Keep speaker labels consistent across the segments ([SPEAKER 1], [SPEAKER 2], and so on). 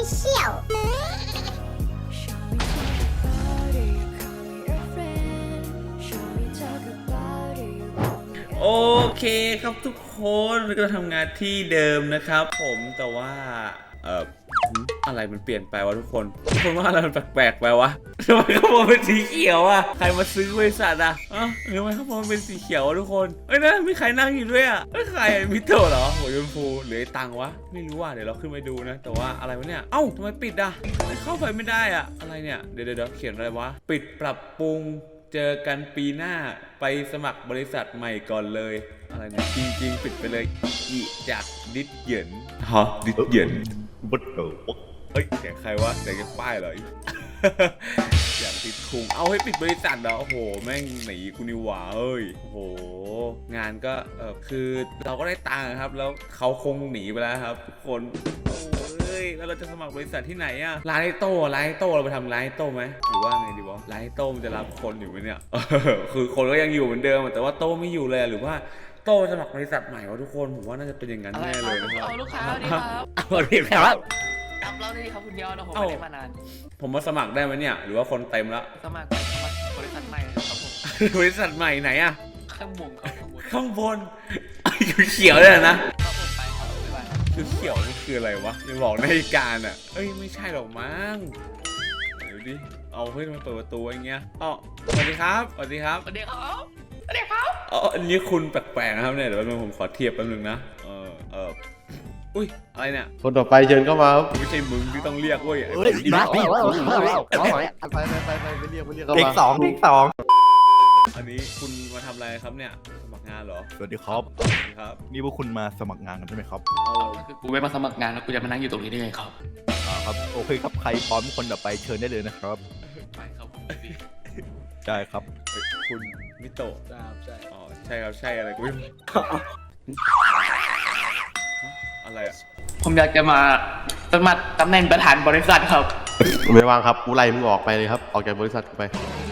[SPEAKER 1] Official
[SPEAKER 2] โอเคครับทุกคนเราก็ทำงานที่เดิมนะครับผมแต่ว่าอะไรมันเปลี่ยนไปวะทุกคนว่าอะไรมันแปลกๆไปวะทำไมข้างบนเป็นสีเขียวอะใครมาซื้อบริษัทอะหรือทำไมข้างบนมันเป็นสีเขียววะทุกคนเอ้ยนะมีใครนั่งอยู่ด้วยอะใครมิโตะเหรอหัวชมพูหรือไอ้ตังวะไม่รู้ว่ะเดี๋ยวเราขึ้นไปดูนะแต่ว่าอะไรวะเนี่ยเอ้าทำไมปิดอะเข้าไปไม่ได้อะอะไรเนี่ยเดี๋ยวเขียนอะไรวะปิดปรับปรุงเจอกันปีหน้าไปสมัครบริษัทใหม่ก่อนเลยอะไรเนี่ยจริงๆปิดไปเลยอีจากดิดเหยินฮะดิดเหยินบัดเฮ้ยเสียงใครวะเสียงจากป้ายเหรออย่างติดคุงเอาให้ปิดบริษัทเหรอโอ้โหแม่งหนีกูนิวะเอ้ยโอ้โหงานก็คือเราก็ได้ตังค์ครับแล้วเขาคงหนีไปแล้วครับทุกคนเฮ้ยแล้วเราจะสมัครบริษัทที่ไหนอะร้านไอโต้เราไปทำร้านไอโต้ไหมหรือว่าไงดีวะร้านไอโต้มันจะรับคนอยู่ไหมเนี่ยคือคนก็ยังอยู่เหมือนเดิมแต่ว่าโต้ไม่อยู่เลยหรือว่าโต้สมัครบริษัทใหม่วะทุกคนผมว่าน่าจะเป็นอย่างนั้นแน่เลยนะครับ
[SPEAKER 3] เอาลูกค้าดีครับ
[SPEAKER 2] เอาดีครับ
[SPEAKER 3] จำเราได้ดีครับคุณยอดนะผมไม่ได้มานาน
[SPEAKER 2] ผมมาสมัครได้ไหมเนี่ยหรือว่าคนเต็มแล้ว
[SPEAKER 3] สมัครบริษัทใหม่ครับผม
[SPEAKER 2] บริษัทใหม่ไหนอะ
[SPEAKER 3] ข้างบนครับข้างบน
[SPEAKER 2] ข้างบนเขียวเลยนะ
[SPEAKER 3] ครับผมไปครับบ๊ายบายครับ
[SPEAKER 2] คือเขียวนี่คืออะไรวะยังบอกในการอะเอ้ยไม่ใช่หรอกมั้งเดี๋ยวดิเอาเพื่อนมาเปิดประตูอย่างเงี้ยอ๋อสวัสดีครับสวัสดีครับ
[SPEAKER 3] สวัสดีครับสวัสดีครับ
[SPEAKER 2] อ๋ออันนี้คุณแปลกๆนะครับเนี่ยเดี๋ยวแป๊บนึงผมขอเทียบแป๊บนึงนะอุ้ยอะไรเนี่ย
[SPEAKER 4] คนต่อไปเชิญเข้ามาครับ
[SPEAKER 2] ไม่ใช่มึงที่ต้องเรียกเว้ย
[SPEAKER 4] ไปเรียกเข้ามา
[SPEAKER 5] เด็กสอง
[SPEAKER 2] อันนี้คุณมาทำอะไรครับเนี่ยสมัครงานเหรอ
[SPEAKER 5] สวัสดีครับ
[SPEAKER 2] สวัสดีครับ
[SPEAKER 5] นี่พวกคุณมาสมัครงานกันใช่ไหมครับ
[SPEAKER 3] คือกูไม่มาสมัครงานแล้วกูจะมานั่งอยู่ตรงนี้ได้ไงครับ
[SPEAKER 5] ครับโอเคครับใครพร้อมคนต่อไปเชิญได้เลยนะครับ
[SPEAKER 3] ไปครับผม
[SPEAKER 5] ได้ครับ
[SPEAKER 2] เฮ้ยคุณมิโตะ
[SPEAKER 4] ใช่
[SPEAKER 2] อ๋อใช่ครับใช่อะไรกูไม่รู้อะไรอ่ะ
[SPEAKER 3] ผมอยากจะมาสมัครตำแหน่งประธานบริษัทครับ
[SPEAKER 4] ไม่ว่างครับกูไล่มึงออกไปเลยครับออกจากบริษัทกูไป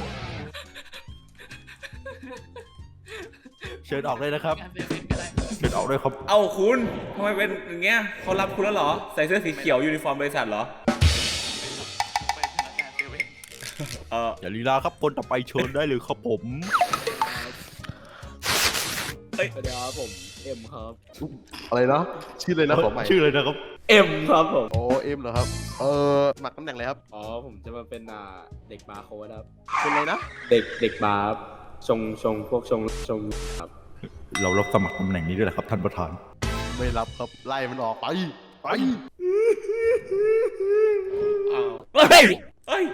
[SPEAKER 5] เชิญออกเลยนะครับ
[SPEAKER 3] งานเซเว่นก็ได้
[SPEAKER 5] เชิญออกด้วยครับ
[SPEAKER 2] เอ้าคุณทำไมเป็นอย่างเงี้ยเขารับคุณแล้วเหรอใส่เสื้อสีเขียวยูนิฟอร์มบริษัทเหรอ
[SPEAKER 3] ไปพนักงานเซเว่น
[SPEAKER 5] อย่าลีลาครับคนต่อไปเชิญได้เลยครับผม
[SPEAKER 6] สวัสดีครับผมเอ็มครับ
[SPEAKER 4] อะไรนะชื่อเลยนะขอใหม่
[SPEAKER 5] ชื่อเลยนะครับ
[SPEAKER 6] เอ็มครับผม
[SPEAKER 4] โอ้เอ็มเหรอครับหมักตำแหน่งอะไรครับ
[SPEAKER 6] อ๋อผมจะมาเป็นเด็กบาร์โค้ดครับ
[SPEAKER 4] เป็นอะไรนะ
[SPEAKER 6] เด็กบาร์ครับชงพวกชงครับ
[SPEAKER 5] เรารับสมัครตำแหน่งนี้ด้วยเหรอครับท่านประธาน
[SPEAKER 4] ไม่รับครับไล่มันออกไปไป
[SPEAKER 2] อ้าวเฮ้ยเฮ้ย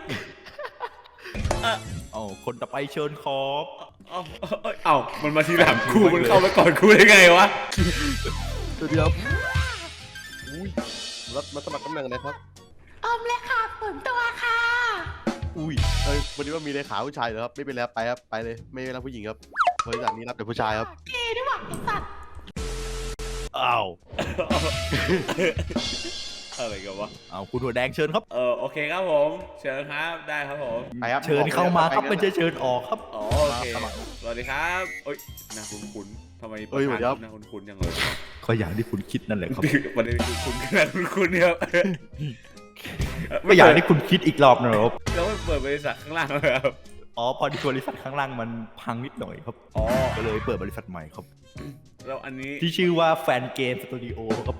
[SPEAKER 5] เอาคนต่อไปเชิญครับ
[SPEAKER 2] เอ้ามันมาทีหลังกูมันเข้าไปก่อนกูได้ไงวะ
[SPEAKER 4] สวัสดีครับอุ้ยรับมาสมัครตำแหน่งอะไรครับ
[SPEAKER 1] อมเลยค่ะฝนตัวค่ะ
[SPEAKER 5] อุ้ย
[SPEAKER 4] วันนี้ว่ามีเลขาผู้ชายเหรอครับไม่เป็นแล้วไปครับไปเลยไม่รับผู้หญิงครับบริษัทนี้รับแต่ผู้ชายครับ
[SPEAKER 1] เกย์ด้วยว่ะไอ้สัตว์
[SPEAKER 5] อ้าว
[SPEAKER 2] อะไรกันวะ
[SPEAKER 5] เอาคุณหัวแดงเชิญครับ
[SPEAKER 2] โอเคครับผมเชิญครับได้ครับผม
[SPEAKER 4] ไปครับ
[SPEAKER 5] เชิญเข้ามาครับไม่ใช่เชิญออกครับ
[SPEAKER 2] อ๋อโอเคสวัสดีครับเอ้ยน่าคุ้นๆทำไมประธานน่าคุ้นๆยังเลย
[SPEAKER 5] ก็อย่างที่คุณคิดนั่นแหละครับ
[SPEAKER 2] ประเด็นคือคุณน่าคุ้นๆเนี่ย
[SPEAKER 5] ก็อย่างที่คุณคิดอีกรอบนะครับ
[SPEAKER 2] แล้วไม่เปิดบริษัทข้างล่างเลยครับ
[SPEAKER 5] อ๋อพอดีบริษัทข้างล่างมันพังนิดหน่อยครับ
[SPEAKER 2] อ๋อ
[SPEAKER 5] ก็เลยเปิดบริษัทใหม่ครับ
[SPEAKER 2] แล้วอันนี้
[SPEAKER 5] ที่ชื่อว่าแฟนเกมสตูดิโอครับ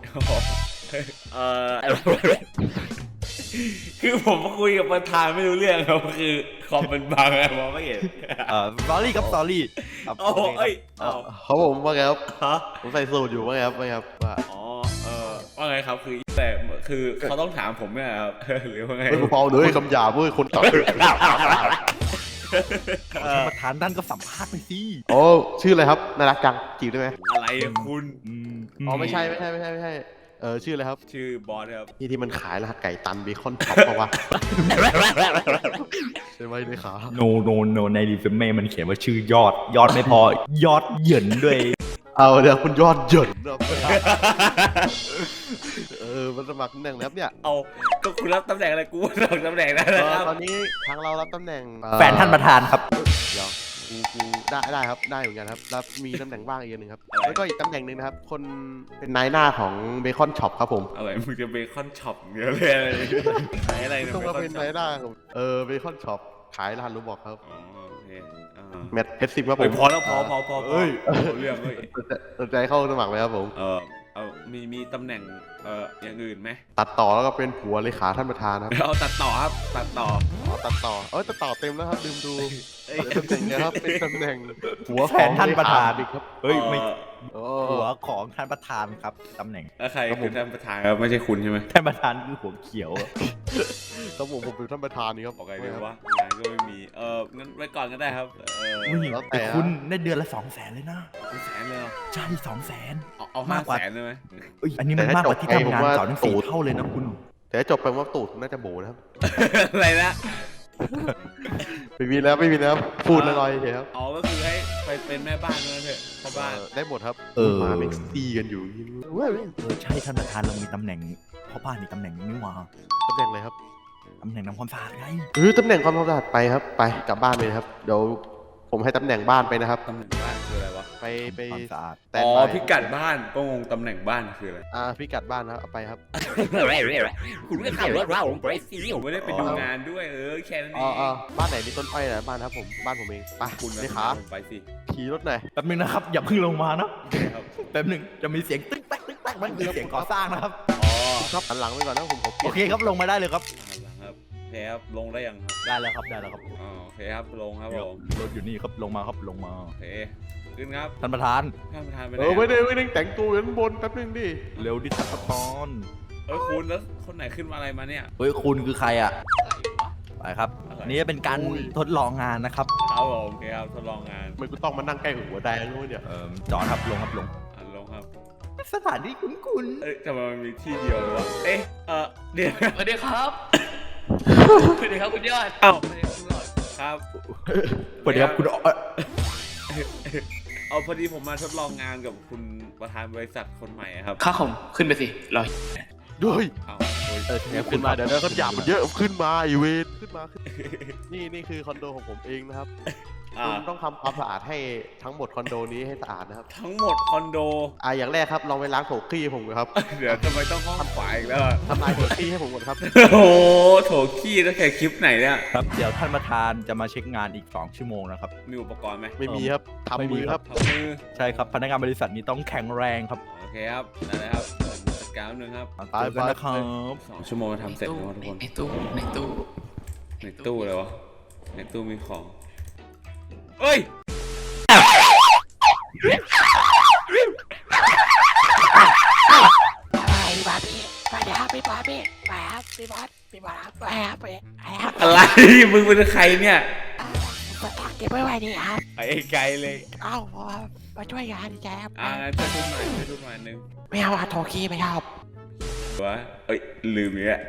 [SPEAKER 2] คือผมคุยกับประธานไม่รู้เรื่องครับคือคอมมันบังไงมองไม่เห็น
[SPEAKER 5] สตอรี่ครับสตอรี่ครับ
[SPEAKER 2] โอ้โหเอ้ย
[SPEAKER 4] เขาผมว่าไงครับ
[SPEAKER 2] ฮะ
[SPEAKER 4] ผมใส่สูทอยู่ว่าไงครับว่าไงครับว่า
[SPEAKER 2] อ๋อว่าไงครับคือแต่คือเขาต้องถามผมเนี่ยครับ หรือว่าไง
[SPEAKER 4] ไม่พอเลยคำหยาบเว้ยคนตัด
[SPEAKER 5] ท่านประธานท่านก็สัมภาษณ์ไปสิ
[SPEAKER 4] โอ้ชื่ออะไรครับน่ารักจังจีบได้ไหม
[SPEAKER 2] อะไรอะคุณ
[SPEAKER 4] อ๋อไม่ใช่ชื่ออะไรครับ
[SPEAKER 2] ชื่อบอสครับ
[SPEAKER 4] นี่ที่มันขายรหัสไก่ตันเบคอนท็อปเปล่าวะใช่ไหมเลยขา
[SPEAKER 5] โนในรีเฟมเม่มันเขียนว่าชื่อยอดไม่พอยอดเหยินด้วย
[SPEAKER 4] เอาเดี๋ยวคุณยอดเหยินครับมันสมัครตำแหน่งแล้วเนี่ย
[SPEAKER 2] เอาก็คุณรับตำแหน่งอะไรกูรับตำแหน่งนั้นนะครับ
[SPEAKER 4] ตอนนี้ทางเรารับตำแหน่ง
[SPEAKER 5] แฟนท่านประธานครับ
[SPEAKER 4] เดี๋ยวกูได้ครับได้เหมือนกันครับแล้วมีตำแหน่งว่างอีกอันหนึ่งครับ
[SPEAKER 2] อะไร
[SPEAKER 4] แล้วก็อีกตำแหน่งหนึ่งนะครับคนเป็นนายหน้าของเบคอนช็อปครับผม
[SPEAKER 2] อะไรมึงจะเบคอนช็อปเยอะเลยขายอะไรเนี่ย
[SPEAKER 4] ต้องมาเป็น
[SPEAKER 2] บค
[SPEAKER 4] นาย
[SPEAKER 2] ช็อป
[SPEAKER 4] หน้าของเบคอนช็อปขายร้านรูบอกครับ
[SPEAKER 2] อ๋อโอเคอ่า
[SPEAKER 4] แมทเพชรซิมครับผ
[SPEAKER 2] เฮ้ย
[SPEAKER 4] ม
[SPEAKER 2] พอแล้วพอเอ้ยเรื่องเอ้ย
[SPEAKER 4] สนใจเข้าสมัครไหมครับผม
[SPEAKER 2] เอามีตำแหน่งอย่างอื่นไหม
[SPEAKER 4] ตัดต่อแล้วก็เป็นผัวเลขาท่านประธานครับ
[SPEAKER 2] เอาตัดต่อครับตัดต่อ
[SPEAKER 4] ตัดต่อเต็มแล้วครับลืมดู
[SPEAKER 2] เอ้ย
[SPEAKER 4] ตำแหน่งเนะครับเป็นตำแหน่งหัว
[SPEAKER 5] แฟนท่านประธาน
[SPEAKER 4] บิ๊กครับ
[SPEAKER 5] เฮ้ยไม่
[SPEAKER 4] โอ้
[SPEAKER 5] หัวของท่านประธานครับตำแหน่ง
[SPEAKER 2] แล้วใครคือท่านประธานครับไม่ใช่คุณใช่ไหม
[SPEAKER 5] ท่านประธานคือหัวเขียวอะ
[SPEAKER 4] ครับผมเป็นท่านประธานนี่ครับ
[SPEAKER 2] บอกไงดีวะงานก็ไม่มีงั้นไว้ก่อนก็ได้ครับ
[SPEAKER 5] อุ้ย
[SPEAKER 4] แล้วแต่
[SPEAKER 5] แต่คุณได้เดือนละ200,000เลยนะ
[SPEAKER 2] แสนเลยเหรอ
[SPEAKER 5] ใช่200,000
[SPEAKER 2] เอา500,000ได้ไหม
[SPEAKER 5] เอ้ยอันนี้มันมากกว่าที่ทำงานเก่าทั้ง4เท่าเลยนะคุณ
[SPEAKER 4] แต่จบไปว่าตูดน่าจะโบนะครับ
[SPEAKER 2] อะไรนะ
[SPEAKER 4] ไม่มีแล้วพูดลอยๆเฉยครับ
[SPEAKER 2] อ๋อก็คือให้ไปเป็นแม่บ้านนั่นเถอะพ่อบ้าน
[SPEAKER 4] ได้หมดครับ
[SPEAKER 5] เออ
[SPEAKER 4] หมาเม็กซีกันอยู่
[SPEAKER 5] ใช่ท่านประธานเรามีตำแหน่งพ่อบ้านอีกตำแหน่งนึงนี่หว่า
[SPEAKER 4] ตำแหน่งอะไรครับ
[SPEAKER 5] ตำแหน่งนำความสะอาดไง
[SPEAKER 4] ตำแหน่งความสะอาดไปครับไปกลับบ้านไปนะครับเดี๋ยวผมให้ตำแหน่งบ้านไปนะครับ
[SPEAKER 2] ตำแหน่งบ้านคืออะไรวะ
[SPEAKER 4] ไป
[SPEAKER 5] ความสะอาด
[SPEAKER 4] แต่
[SPEAKER 2] อ๋อพิกัดบ้านก็งงตำแหน่งบ้านคืออะไร
[SPEAKER 4] พิกัดบ้านนะครับเอาไปครับ
[SPEAKER 2] คุณไม่ขับรถเราผมไปซีผมไม่ได้ไปดูงานด้วยแค่นั้นเอง
[SPEAKER 4] บ้านไหนมีต้นอ้อยนะบ้านครับผมบ้านผมเองไป
[SPEAKER 2] คุณ
[SPEAKER 4] เลขา
[SPEAKER 2] ผมไปสิ
[SPEAKER 4] ขี่รถหน่อย
[SPEAKER 5] แป๊บนึงนะครับอย่าเพิ่งลงมานะ
[SPEAKER 2] ครับ
[SPEAKER 5] แป๊บนึงจะมีเสียงตึ๊กแต๊กตึ๊กแต๊กมันคือเสียงก่อสร้างนะครับ
[SPEAKER 2] อ๋อ
[SPEAKER 4] ครับหันหลังไปก่อนนะผมขอเป
[SPEAKER 5] โอ
[SPEAKER 4] ลี่ยน
[SPEAKER 5] เคครับลงมาได้เลยครับ
[SPEAKER 2] เอาละครับโอเคครับลงได้ยังครับ
[SPEAKER 5] ได้แล้วครับได้แล้วครับ
[SPEAKER 2] อ๋อโอเคครับลงครับผม
[SPEAKER 5] รถอยู่นี่ครับลงมาครับลงมา
[SPEAKER 2] โอเคขึ้นครับ
[SPEAKER 5] ท่านประธาน
[SPEAKER 2] ท่านประธานไปไหน
[SPEAKER 4] ไม่ได้แต่งตัวอยู่ข้างบนแป๊บนึงดิ
[SPEAKER 5] เร็วดิท่านประธาน
[SPEAKER 2] คุณแล้วคนไหนขึ้นมาอะไรมาเนี่ย
[SPEAKER 5] เฮ้ยคุณคือใครอ่ะไปครับนี่เป็นการทดลองงานนะครับ
[SPEAKER 2] ครับผมโอเคครับทดลองงาน
[SPEAKER 4] ทำไมกูต้องมานั่งใกล้หัวแดงด้วยเนี่ย
[SPEAKER 5] จอดครับลงครับลง
[SPEAKER 2] ลงครับ
[SPEAKER 5] สถานที่คุ้น
[SPEAKER 2] ทำไมมันมีที่เดียวเลยวะเดี๋ยว
[SPEAKER 3] สวัสดีครับสวัสดีครับคุณยอด
[SPEAKER 2] เอ้า
[SPEAKER 3] สวัสดีครับคุณยอด
[SPEAKER 2] ครับ
[SPEAKER 5] ๆสวัสดีครับคุณ
[SPEAKER 2] เอาพอดีผมมาทดลองงานกับคุณประธานบริษัทคนใหม่อะครับ
[SPEAKER 3] ข้าผมขึ้นไปสิรอ
[SPEAKER 4] ด้วย
[SPEAKER 2] เอา
[SPEAKER 4] ขึ้นมาเดี๋ยวเขาหยาบมันเยอะขึ้นมาอีเวนขึ้นมานี่คือคอนโดของผมเองนะครับคุณต้องทำความสะอาดให้ทั้งหมดคอนโดนี้ให้สะอาดนะครับ
[SPEAKER 2] ทั้งหมดคอนโด
[SPEAKER 4] อย่างแรกครับลองไปล้างโถขี้ให้ผมก่อนครับ
[SPEAKER 2] เดี๋ยวทำไมต้องห้องขวาอีกแล้วอะ
[SPEAKER 4] ทำลายโถขี้ให้ผมก่อนครับ
[SPEAKER 2] โอ้โหโถขี้ตั้งแต่คลิปไหนเนี่ย
[SPEAKER 5] ครับเดี๋ยวท่านประธานจะมาเช็คงานอีก2ชั่วโมงนะครับ
[SPEAKER 2] มีอุปกรณ์ไหม
[SPEAKER 4] ไม่มีครับทำมือครับ
[SPEAKER 2] ทำมือ
[SPEAKER 5] ใช่ครับพนักงานบริษัทนี้ต้องแข็งแรงครับ
[SPEAKER 2] โอเคครับได้เลยครับจัดการแป๊บนึงครับ
[SPEAKER 5] เจอกันนะครับ
[SPEAKER 2] 2 ชั่วโมงทำเสร็จแล้วทุกคน
[SPEAKER 3] ในตู้
[SPEAKER 2] ในตู้เลยวะในตู้มีของเอ้ย
[SPEAKER 1] ไปบาร์บี้ไปเดี๋ยวครับพี่บาร์บี้ไปครับพี่บอสไปครับไปครับ
[SPEAKER 2] อะไรมึงเป็นใครเนี่ย
[SPEAKER 1] สถานเก็บไว้ไว้นี่ครับ
[SPEAKER 2] ไปไกลเลย
[SPEAKER 1] เอ้ามาช่วยงานดีใจครับ
[SPEAKER 2] งั้นช่วยทุกหน่อยช่วยทุกหน่อยนึง
[SPEAKER 1] ไม่เอาโทรคีไม่เอา
[SPEAKER 2] วะลืมอีกแล้ว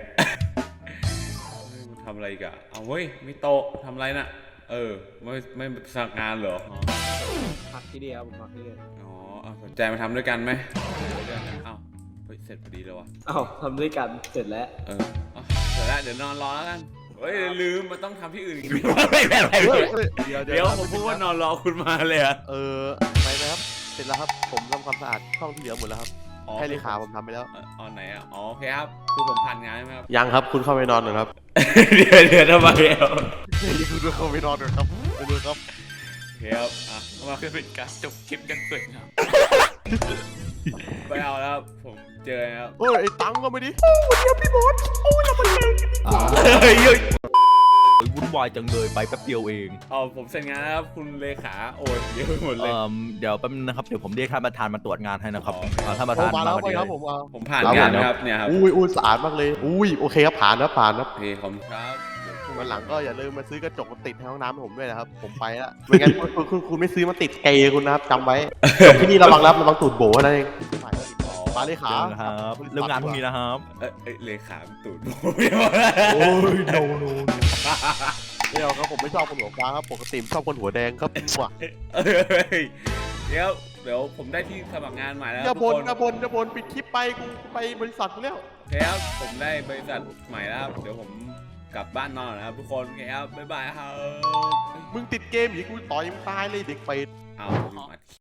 [SPEAKER 2] ทำอะไรกันเอาเว้ยมีโต๊ะทำอะไรน่ะไม่สักงานเหรอ
[SPEAKER 6] พักที่นี่ครับผมพักที่นี่
[SPEAKER 2] สนใจมาทำด้วยกันไหมเสร็จพอดีเลยวะ
[SPEAKER 6] อ้าวทำด้วยกันเสร็จแล้ว
[SPEAKER 2] เสร็จแล้วเดี๋ยวนอนรอแล้วกันลืมมันต้องทำที่อื่นอีก
[SPEAKER 4] เดี๋ยว
[SPEAKER 2] ผมพูดว่านอนรอคุณมาเลยอะ
[SPEAKER 4] ไปไหมครับเสร็จแล้วครับผมทำความสะอาดห้องที่เหลือหมดแล้วครับให้เลขาผมทำไปแล้ว
[SPEAKER 2] ไหนอ่ะโอเคครับคือผมผ่านงานใช่ไหมครับ
[SPEAKER 4] ยังครับคุณเข้าไปนอนหน่อยครับ
[SPEAKER 2] เดี๋ยวทำไมอ่ะ
[SPEAKER 4] นี่คุณเข้าไปนอนหน่อยครับไปดูครับ
[SPEAKER 2] โอเคครับมา
[SPEAKER 3] เพื่อเป็นการจบคลิปยังสวยงาม
[SPEAKER 2] ไปเอาแล้วผมเจอครับ
[SPEAKER 4] ไอ้ตังก็ไม่ดิ
[SPEAKER 5] วุ่นวายจังเลยไปแป๊บเดียวเอง
[SPEAKER 2] ผมเสร็จงานแล้วครับคุณเลขาโอ้ยเยอะไปหมดเลย
[SPEAKER 5] เดี๋ยวแป๊บนึงนะครับเดี๋ยวผมเรียกท่านประธานมาตรวจงานให้นะครับ
[SPEAKER 2] อ๋อ
[SPEAKER 5] ท่านประ
[SPEAKER 4] โอ้
[SPEAKER 5] ธาน
[SPEAKER 4] มาแล้ว
[SPEAKER 5] พอดี
[SPEAKER 4] ครับ
[SPEAKER 5] เลย
[SPEAKER 2] ผมผ่านงานนะครับเนี่ยครับ
[SPEAKER 4] อุ้ยสะอาดมากเลยโอเคครับผ่านครับ
[SPEAKER 2] โอเคขอบคุณครับ
[SPEAKER 4] วันหลังก็อย่าลืมมาซื้อกระจกมาติดในห้องน้ำให้ผมด้วยนะครับผมไปแล้วไม่งั้นคุณไม่ซื้อมาติดเกย์คุณนะครับจำไว้ที่นี่ระวังตูดโบนั่นเองมาเลยขา
[SPEAKER 5] เจอกันครับเริ่มงานพรุ่งนี้นะครับ
[SPEAKER 2] เลขาตูด
[SPEAKER 5] โอ้ยโน
[SPEAKER 4] เดี๋ยวครับผมไม่ชอบคนหัวฟ้าครับปกติชอบคนหัวแดงครับว่ะ
[SPEAKER 2] เดี๋ยวผมได้ที่สมัครงานใหม่แล้ว
[SPEAKER 4] อย่า
[SPEAKER 2] ทุก
[SPEAKER 4] บ่น
[SPEAKER 2] คน
[SPEAKER 4] อย่าบ่นปิดคลิปไปกูไปบริษัทกูแล้ว
[SPEAKER 2] โอเคครับผมได้บริษัทใหม่แล้วครับเดี๋ยวผมกลับบ้านนอนนะครับทุกคนโอเคครับบ๊ายบายครับ
[SPEAKER 4] มึงติดเกมอีกกูต่อยมึงตายเลยเด็กเป็ด
[SPEAKER 2] เอาอัดคลิป